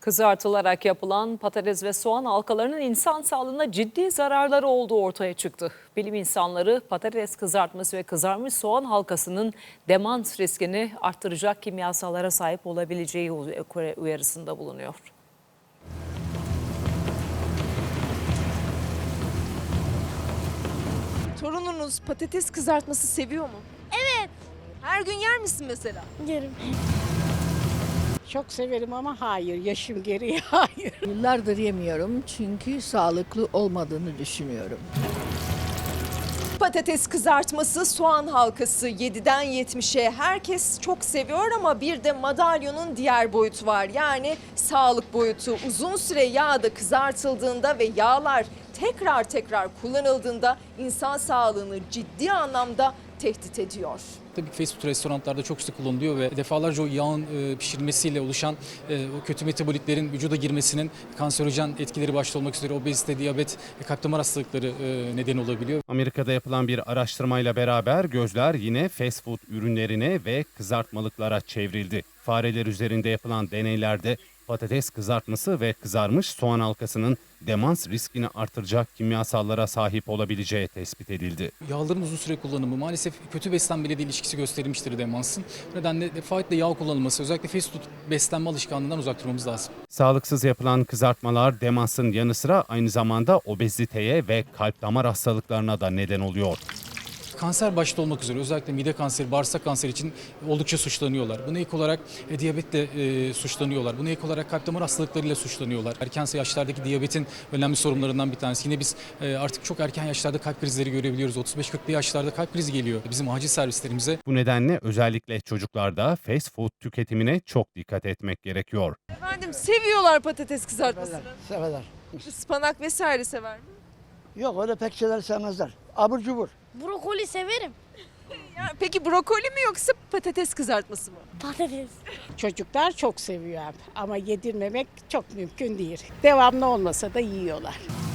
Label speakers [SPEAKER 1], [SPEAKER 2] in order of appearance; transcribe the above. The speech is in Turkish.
[SPEAKER 1] Kızartılarak yapılan patates ve soğan halkalarının insan sağlığına ciddi zararları olduğu ortaya çıktı. Bilim insanları patates kızartması ve kızarmış soğan halkasının demans riskini arttıracak kimyasallara sahip olabileceği uyarısında bulunuyor.
[SPEAKER 2] Torununuz patates kızartması seviyor mu?
[SPEAKER 3] Evet.
[SPEAKER 2] Her gün yer misin mesela?
[SPEAKER 3] Yerim.
[SPEAKER 4] Çok severim ama hayır, yaşım gereği hayır.
[SPEAKER 5] Yıllardır yemiyorum çünkü sağlıklı olmadığını düşünüyorum.
[SPEAKER 2] Patates kızartması, soğan halkası 7'den 70'e herkes çok seviyor ama bir de madalyonun diğer boyutu var. Yani sağlık boyutu. Uzun süre yağda kızartıldığında ve yağlar tekrar kullanıldığında insan sağlığını ciddi anlamda tehdit ediyor.
[SPEAKER 6] Tabii ki fast food restoranlarda çok sık kullanılıyor ve defalarca o yağın pişirmesiyle oluşan o kötü metabolitlerin vücuda girmesinin kanserojen etkileri başta olmak üzere obezite, diyabet ve kalp damar hastalıkları neden olabiliyor.
[SPEAKER 7] Amerika'da yapılan bir araştırmayla beraber gözler yine fast food ürünlerine ve kızartmalıklara çevrildi. Fareler üzerinde yapılan deneylerde patates kızartması ve kızarmış soğan halkasının demans riskini artıracak kimyasallara sahip olabileceği tespit edildi.
[SPEAKER 6] Yağların uzun süre kullanımı maalesef kötü beslenmeyle de ilişkisi gösterilmiştir demansın. Bu nedenle defaatle yağ kullanılması, özellikle fast food beslenme alışkanlığından uzak durmamız lazım.
[SPEAKER 7] Sağlıksız yapılan kızartmalar demansın yanı sıra aynı zamanda obeziteye ve kalp damar hastalıklarına da neden oluyor.
[SPEAKER 6] Kanser başta olmak üzere özellikle mide kanseri, bağırsak kanseri için oldukça suçlanıyorlar. Buna ek olarak diyabetle suçlanıyorlar. Buna ek olarak kalp damar hastalıklarıyla suçlanıyorlar. Erken yaşlardaki diyabetin önemli sorunlarından bir tanesi. Yine biz artık çok erken yaşlarda kalp krizleri görebiliyoruz. 35-40'lı yaşlarda kalp krizi geliyor bizim acil servislerimize.
[SPEAKER 7] Bu nedenle özellikle çocuklarda fast food tüketimine çok dikkat etmek gerekiyor.
[SPEAKER 2] Efendim seviyorlar patates kızartmasını.
[SPEAKER 8] Severler.
[SPEAKER 2] Ispanak vesaire sever mi?
[SPEAKER 8] Yok öyle pek şeyler sevmezler. Abur cubur.
[SPEAKER 3] Brokoli severim.
[SPEAKER 2] Ya, peki brokoli mi yoksa patates kızartması mı?
[SPEAKER 3] Patates.
[SPEAKER 4] Çocuklar çok seviyor ama yedirmemek çok mümkün değil. Devamlı olmasa da yiyorlar.